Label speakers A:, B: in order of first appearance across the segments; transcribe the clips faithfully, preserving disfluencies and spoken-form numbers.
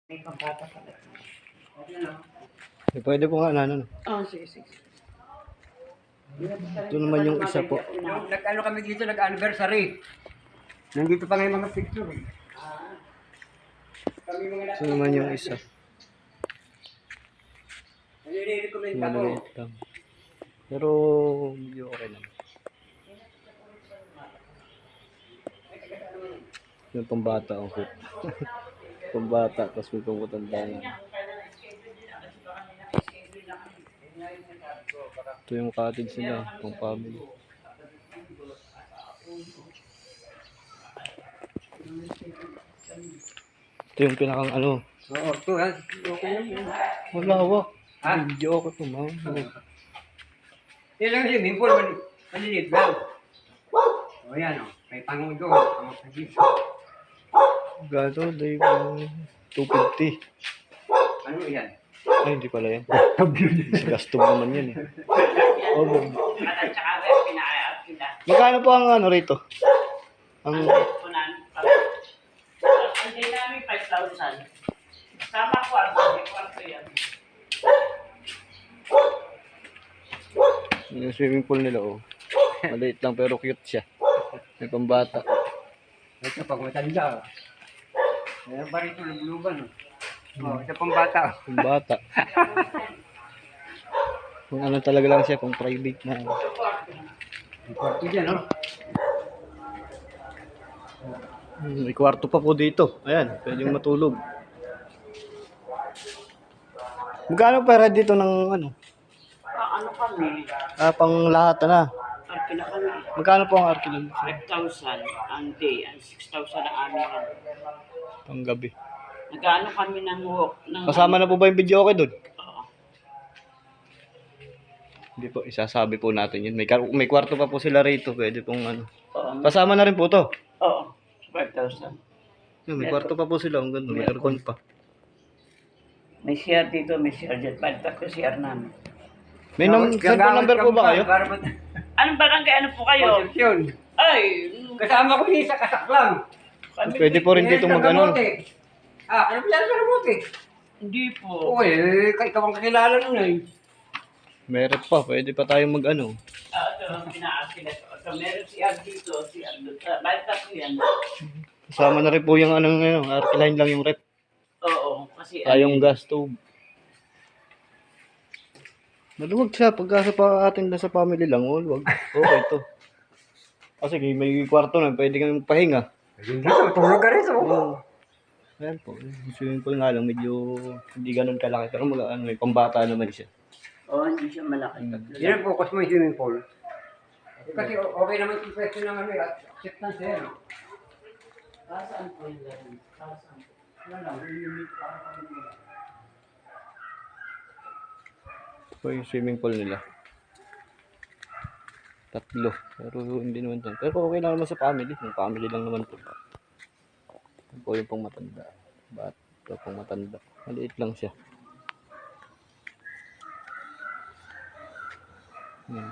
A: May pambata pala.
B: Eh, pwede po nga na, ano.
A: Oh, sige, sige.
B: Ito naman yung isa po.
C: Yung nag-ano kami dito, nag-anniversary. Nandito pa nga yung mga picture. Eh. Kami mga
B: Ito naman yung isa.
C: nire-recommend ako.
B: Maliit lang. Pero medyo okay naman. Yung pambata ang hook. Pambata, tapos may pangutanda na. Ito yung cottage nila, pang family. Ito yung pinakang ano.
C: Oo, ito ha. Okay lang yun.
B: Wala, wak.
C: Ha?
B: Video ko ito, ma'am.
C: Yan lang siya, bimple, mali- maliliit lang. O yan o, may pangon doon. Pangon sa dito.
B: Gato, day two fifty.
C: Ano yan?
B: Ay, hindi pala yan. Kasi custom naman yan eh. Oh,
A: At saka rin, pinaayap sila.
B: magkano po ang ano rito? Ang
A: Punan. Ang day namin, five thousand. Sama kwarto, may kwarto yan.
B: yung swimming pool nila, oh. Maliit lang pero cute siya. May pambata.
C: Ito, pag matanda. Ayan pa rito, lubluban. O, ito pang bata.
B: Pambata. Kung ano talaga lang siya, kung private na.
C: Ang kwarto dyan, no?
B: Hmm, may kwarto pa po dito. Ayan, pwedeng matulog. Magkano pera dito ng ano?
A: Ah, ano kami?
B: Ah, pang lahat na.
A: Arkila kami.
B: Magkano po ang arkilog?
A: five thousand ang day, ang six thousand ang amin.
B: Pang gabi.
A: Nag-ano kami ng walk. Ng,
B: Kasama na po ba yung video okay doon?
A: Oo.
B: Hindi po, isasabi po natin yun. May, kar- may kwarto pa po sila rito. Pwede pong ano.
A: Oo.
B: Kasama na rin po to.
A: Oo. five thousand.
B: Yun, may kwarto pa po sila. Ang ganda. May aircon pa.
A: May share dito, may share dyan. Balik tatlo share namin.
B: May num- cellphone number po ba kayo?
A: Anong barangay? Ano po kayo?
C: Concepcion.
A: Ay!
C: Kasama ko yung isa kasaklang.
A: Kami,
B: Pwede po rin dito mag ano.
C: Ah, ano pala sa Ramote?
A: Hindi po.
C: Oo eh, ikaw ang kakilala nun eh.
B: Meron pa. Pwede pa tayong mag ano.
A: Ah, ito ang pinaakil ito. Ito, meron si Ar dito, si Ar dito. Balik tatlo yan.
B: Kasama na rin po yung anong ano. Arkiline lang yung rep.
A: Oo, kasi
B: Tayong gas stove. Maluwag siya. Pagka sa pa atin lang sa family lang. Oh, wag. Okay to. Kasi may kwarto na. Pwede kang magpahinga.
C: Hindi ko, tulog ka rin sa
B: Oo. Ayan po. Yung swimming pool nga lang. Medyo hindi ganun kalaki. Pero mga ano, may pambata naman siya.
A: Oo, hindi siya malaki. Tatlo
C: Yan
A: lang.
C: ang focus mo yung swimming pool. Kasi okay naman yung question ng ano eh, acceptance eh. no?
A: Ah, saan po yung ganun? Ah, saan po?
C: Wala lang, yung unique para kami nila.
B: Ito yung swimming pool nila. Tatlo. Pero hindi naman to. Pero okay lang naman sa family. Yung family lang naman to. Ito po yung pang matanda. Ba't ito pang matanda. Maliit lang siya. Yan.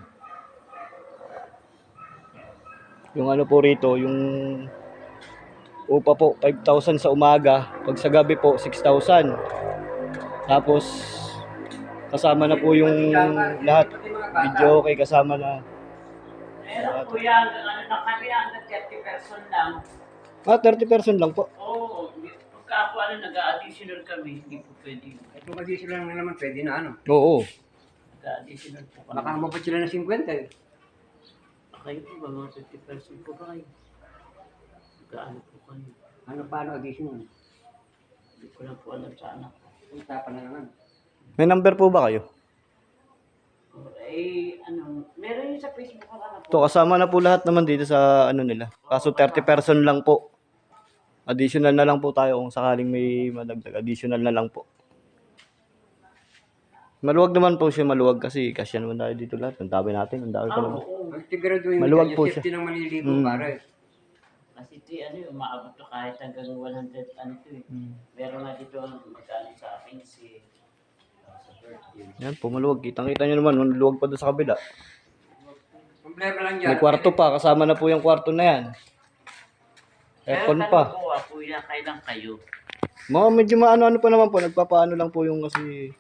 B: Yung ano po rito, yung upa po, five thousand sa umaga. Pag sa gabi po, six thousand. Tapos, kasama na po yung lahat. Video okay, kasama na.
A: Meron po yan. Ano na kami, hanggang thirty person lang.
B: Ah, thirty percent lang po.
A: Oo, hindi- pagka po ano, nag-additional kami, hindi po pwede.
C: At kung mag-issue lang naman, pwede na ano.
B: Oo.
A: Nag-additional po kami.
C: Baka mabot sila ng fifty eh.
A: Kayo po ba, mga fifty percent po ba kayo? Nag-ano po kayo?
C: Ano paano additional?
A: Hindi ko lang po alam sa anak ko.
C: Usapan na naman.
B: May number po ba kayo?
A: Oh, eh, ano, meron yun sa Facebook ko ano po.
B: Ito, kasama na po lahat naman dito sa ano nila. Kaso thirty percent lang po. Additional na lang po tayo kung sakaling may madagdag. Additional na lang po. Maluwag naman po siya, maluwag kasi kasya naman tayo dito lahat. Ang dami natin, ang dami pa
A: Ah,
B: naman.
A: oo.
C: Ang sigurado yung
B: Maluwag po
C: safety ng maliligo
B: Mm.
C: pare.
A: Kasi ito, ano, yung umaabot to kahit hanggang one hundred, ano to eh.
B: Hmm.
A: Meron nga dito, magkano sa akin si, uh, sa birthday.
B: Yan po, maluwag. Kitang-kita nyo naman, maluwag pa doon sa kabila.
C: Problema lang dyan.
B: May kwarto pa, kasama na po yung kwarto na yan. Aircon
A: Pero
B: pa.
A: tanong ko, ah, kuya, kailan kayo?
B: Mga medyo maano-ano pa naman po, nagpapaano lang po yung kasi